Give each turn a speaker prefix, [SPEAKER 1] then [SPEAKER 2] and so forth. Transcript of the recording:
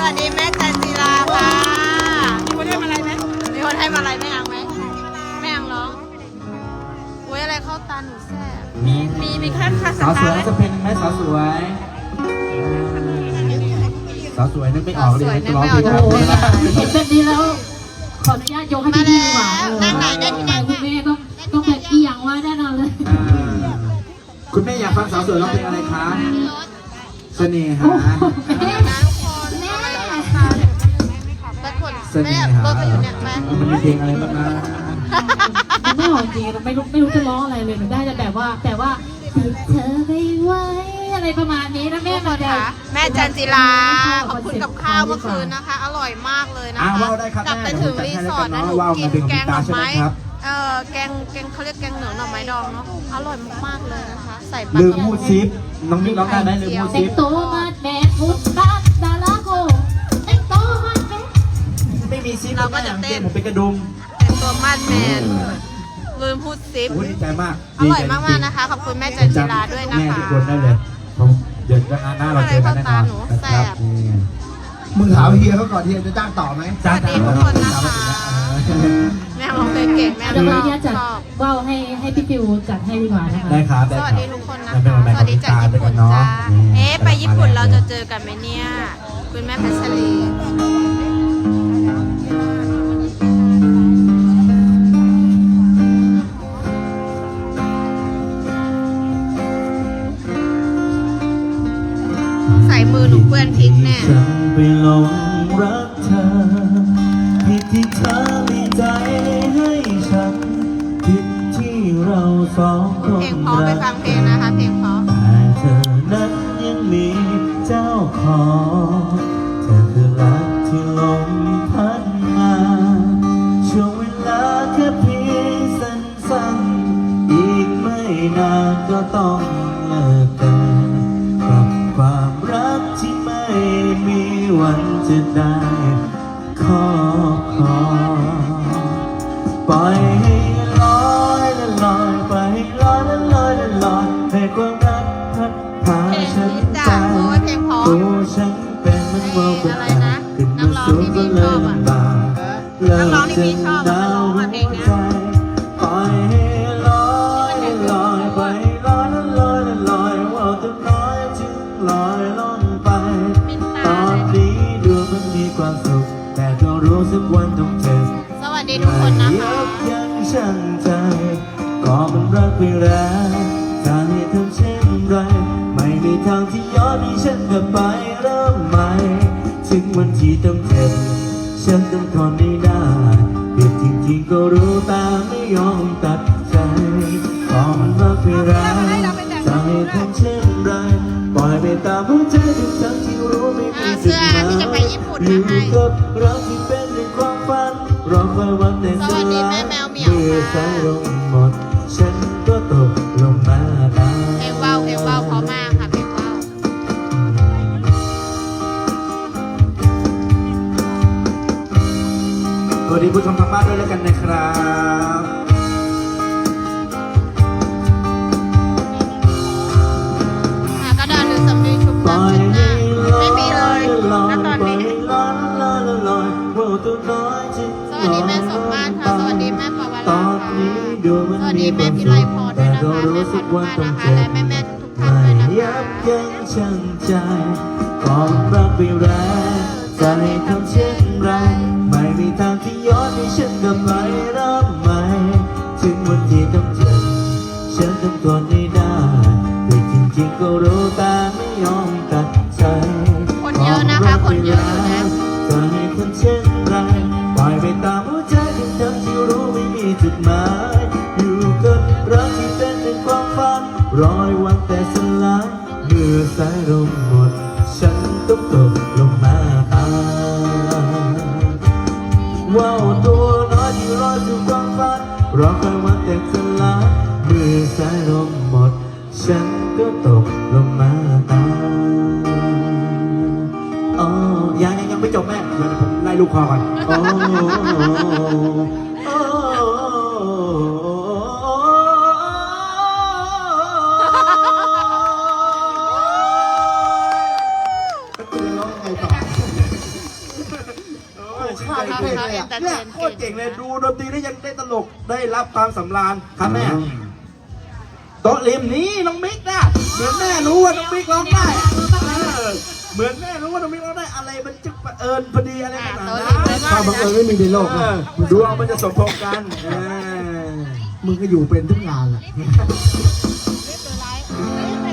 [SPEAKER 1] วัสดีแม่จันจิราค่ะมีคนให้มาอะไรไหมมีคนให้มาอะไรแม่อังไหมแม่อังร้องโอ้ยอะไรเข้าตาหนูแซ่มีแค่คาส
[SPEAKER 2] สาวส
[SPEAKER 1] ตา
[SPEAKER 2] วย
[SPEAKER 1] ร์
[SPEAKER 2] จะเป็นไหมสาวสวยสาวสวยนึกไม่ออกเลยจะร้องเพลง
[SPEAKER 3] โอ้โหเห็นแบบนี้แล้วขออนุญาตยกให้พี่ดีกว่า
[SPEAKER 1] นั่งไหนได้ที่นั่ง
[SPEAKER 3] คุณแม่ต้องแบบอีหยังว่าแน่นอนเลย
[SPEAKER 2] คุณแม่อยากฟังสาวสวยร้องเพลงอะไรคะเสน่หา
[SPEAKER 3] แม่
[SPEAKER 1] นะทุกคนแม่คน
[SPEAKER 2] เส
[SPEAKER 1] แม่
[SPEAKER 2] น่หาร
[SPEAKER 1] ถเขาอยู่เนี่ยแม่
[SPEAKER 2] มันมีเพลงอะไรบ้างนะ
[SPEAKER 3] ไม่ออกจริงไม่รู้จะร้องอะไรเลยหนูได้แต่ว่าติดเธอไปไว้อะไรประมาณนี้นะแม่
[SPEAKER 1] ทุกคนค่ะแม่จันจิราขอบคุณกับข้าวเมื่อคืนนะคะ อร่อยมากเลยนะคะ
[SPEAKER 2] ว้าวได้ครับ
[SPEAKER 1] กลับไป
[SPEAKER 2] แม่
[SPEAKER 1] ถึงรีสอร์ทนะหนู
[SPEAKER 2] ว้าว
[SPEAKER 1] กิ
[SPEAKER 2] มัน เป็น
[SPEAKER 1] แกงหน่อไม้
[SPEAKER 2] ใช่ไหมครับ
[SPEAKER 1] แกงเขาเรียกแกงเหนือหน่อไม้ดองเนาะอร่อยมากๆเลยนะคะ ใส่ปลา
[SPEAKER 2] ลืมพูดซิปน้องมิกร้องได้ไหมลืมพูด
[SPEAKER 3] เต็
[SPEAKER 2] ซิ
[SPEAKER 3] ง
[SPEAKER 2] ป
[SPEAKER 3] โตมาแม่พุทธดาราโกเต็งโตมาแม่
[SPEAKER 2] ไม่มีซิปผมเป็นกระดุม
[SPEAKER 1] แต่งตัวมาดแมนลืมพูดซิป
[SPEAKER 2] โอ้ดีใจมาก
[SPEAKER 1] อร่อยมากๆนะคะ ขอบคุณแม่จันจิราด้วยนะ
[SPEAKER 2] แม่
[SPEAKER 1] คะ
[SPEAKER 2] ทุกคนได้เลยผมเดี๋ยวหน้าเราเจอกันแน่นอนนะครับ
[SPEAKER 4] มึงถามเฮียเขาก่อนเฮียจะจ้างต่อไหม
[SPEAKER 2] จ้า
[SPEAKER 1] สวัสดีทุกคนนะคะ แม่ร้องเพลงเก่งแม่
[SPEAKER 3] เดี๋ยว
[SPEAKER 1] ช
[SPEAKER 3] วัน
[SPEAKER 1] อบ
[SPEAKER 3] นี้จัด
[SPEAKER 1] ชอบ
[SPEAKER 3] ว่าวให้พี่ฟิวจัดให้ดีกว่านะคะ
[SPEAKER 2] ได้ครับ
[SPEAKER 1] สวัสดีทุกคนนะคะ สวัสดีจากญี่ปุ่นจ้าไปญี่ปุ่นเราจะเจอกันไหมเนี่ย คุณแม่พัชรีใส่มือหนูเปื้อนพริกแน่
[SPEAKER 2] ฉันไปหลงรักเธอผิดที่เธอมีใจให้ฉันผิดที่เราสองคน
[SPEAKER 1] เพลงเพราะไปฟังเพลงนะคะ เพลงเพราะ
[SPEAKER 2] แต่เธอนั้นยังมีเจ้าของเธอคือรักที่ลมพัดมาช่วงเวลาแค่เพียงสั้นๆอีกไม่นานก็ต้องเลิกกันกับความรักที่ไม่มีวันจะได้ครอบครองปล่อยให้ลอยและลอยไปให้ลอยและลอยและลอยให้ความรักพัดพาฉันไปตัวฉันเป็นเหมันว่าบนฟ้าขึ้นมาสูงก็เลยลำบากเลิกจะหนาวหัวใจปล่อยให้ลอยและลอยไปลอยและลอยและลอยว่าตัวน้อยจึงลอยล่องไปตอนนี้ดูมันมีความสุขแต่ก็รู้สึกวันต้องเจ็บ
[SPEAKER 1] สวัสดีทุกคนนะคะ
[SPEAKER 2] ยังช่างใจก็มันรักไปแล้วถ้าให้ทำเช่นไรไม่มีทางที่ย้อนให้ฉันกลับไปเริ่มใหม่ถึงวันที่ต้องเจ็บฉันต้องทนไม่ได้เด็กจริงๆก็รู้แต่ไม่ยอมตัดใจก็มันรักไปแล้วถ้าให้ทำเช่นไรปล่อยไปตามหัวใจทุกทั้งที่รู้ไม่มีจุดหมายอยู่กับรักที่เป็นในความฝันรอคอยวันแต่
[SPEAKER 1] สวัสดีแม่แมวเหมียวค่ะ
[SPEAKER 2] สายลงหมดฉันก็ตกลงมาตาย
[SPEAKER 1] เพลงว่าวเพราะมากค่ะเพลงว่าว
[SPEAKER 2] สวัสดีผู้ชมทางบ้านด้วยแล้วกันนะครับ
[SPEAKER 1] ค่ะกระดานหรือสำลีชุบ
[SPEAKER 2] ปล่
[SPEAKER 1] น้ำ
[SPEAKER 2] อย
[SPEAKER 1] ชุบห
[SPEAKER 2] ให้
[SPEAKER 1] น้า
[SPEAKER 2] ลอ
[SPEAKER 1] ไม่
[SPEAKER 2] ย
[SPEAKER 1] มีเลยณตอนนี้
[SPEAKER 2] ลอยลอยลอยว่าตัวน้อยจะ
[SPEAKER 1] สวัสดีแม่สมมาตรค่ะ สวัสดีแม่ปวา
[SPEAKER 2] ต
[SPEAKER 1] รา
[SPEAKER 2] อน
[SPEAKER 1] ค่ะ
[SPEAKER 2] นี้ดูมัน
[SPEAKER 1] สวัส
[SPEAKER 2] มี
[SPEAKER 1] ดี
[SPEAKER 2] ค
[SPEAKER 1] แม่
[SPEAKER 2] วาม
[SPEAKER 1] พิ
[SPEAKER 2] สุ
[SPEAKER 1] ไล
[SPEAKER 2] ข
[SPEAKER 1] พรด้
[SPEAKER 2] แต่
[SPEAKER 1] วยนะ
[SPEAKER 2] ก็
[SPEAKER 1] คะ
[SPEAKER 2] รู้
[SPEAKER 1] แม่
[SPEAKER 2] สึ
[SPEAKER 1] พั
[SPEAKER 2] ก
[SPEAKER 1] น
[SPEAKER 2] ว่า
[SPEAKER 1] มา
[SPEAKER 2] ต้อง
[SPEAKER 1] นะคะ
[SPEAKER 2] เจ็บ
[SPEAKER 1] และแม่ทุกท่านด้วยนะ
[SPEAKER 2] ยั
[SPEAKER 1] คะ
[SPEAKER 2] บยั้งชั่งใจความรักไปแล้วจะให้ทำเช่นไรไม่มีทางที่ย้อนให้ฉันกลับไปเริ่มใหม่ถึงวันที่ต้องเจ็บฉันต้องทนให้ได้แต่จริงๆก็รู้แต่ไม่ยอมตัดใจ
[SPEAKER 1] คนเยอะนะคะคนเยอะอยู่นะ
[SPEAKER 2] จะให้ทำเช่นไรปล่อยไปตามหัวใจทั้งที่รู้ไม่มีจุดหมายอยู่กับรักที่เป็นในความฝันรอยวันแต่สลายเมื่อสายลมหมดฉันต้องตกลงมาตายว่าวตัวน้อยที่รอสู่ความฝันรอคอยวันแต่สลายเมื่อสายลมหมดฉันก็ตกลงมาตายอ๋อยังไม่จบแม่เดี๋ยวผมไล่ลูกคอก่อนโอ้โอ้
[SPEAKER 4] ข้าวเก่งเลยอะ
[SPEAKER 5] เนี่ยโคตรเก่งเลยดูดนตรีได้ยังได้ตลกได้รับความสำราญครับแม่โต๊ะริมนี้น้องมิกนะเหมือนแม่รู้ว่าน้องมิกร้องได้เหมือนแม่รู้ว่าน้องมิกร้องได้อะไรมันจะเอิญพอดีอะไรขนาดนั้น
[SPEAKER 4] ความบังเอิญไม่มีในโลกนะ
[SPEAKER 5] ดวงมันจะสมพงษ์กัน
[SPEAKER 4] มึงก็อยู่เป็นทุกงานแหละ